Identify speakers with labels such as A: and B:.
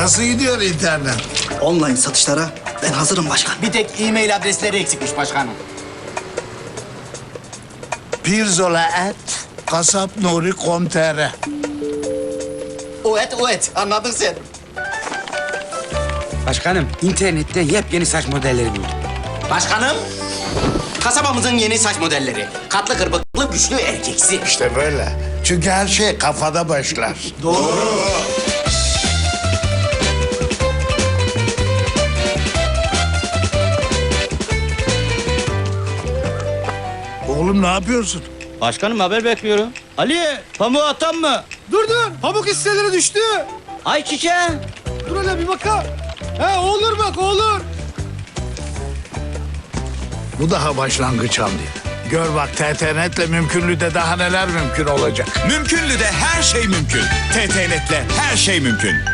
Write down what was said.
A: Nasıl gidiyor internet?
B: Online satışlara ben hazırım başkan.
C: Bir tek e-mail adresleri eksikmiş başkanım.
A: pirzola@kasapnuri.com.tr.
C: O et anladın sen.
D: Başkanım, internetten yepyeni saç modelleri buldum.
C: Başkanım, kasabamızın yeni saç modelleri. Katlı kırpıklı güçlü erkeksi.
A: İşte böyle. Çünkü her şey kafada başlar. Oğlum ne yapıyorsun?
E: Başkanım haber bekliyorum. Ali, pamuğu atan mı?
F: Dur dur. Pamuk hisseleri düştü.
E: Ay çiçeği.
F: Dur hele bir bakalım. He olur bak olur.
A: Bu daha başlangıç Hamdi. Gör bak TTNet'le mümkünlüğde daha neler mümkün olacak.
G: Mümkünlü de her şey mümkün. TTNet'le her şey mümkün.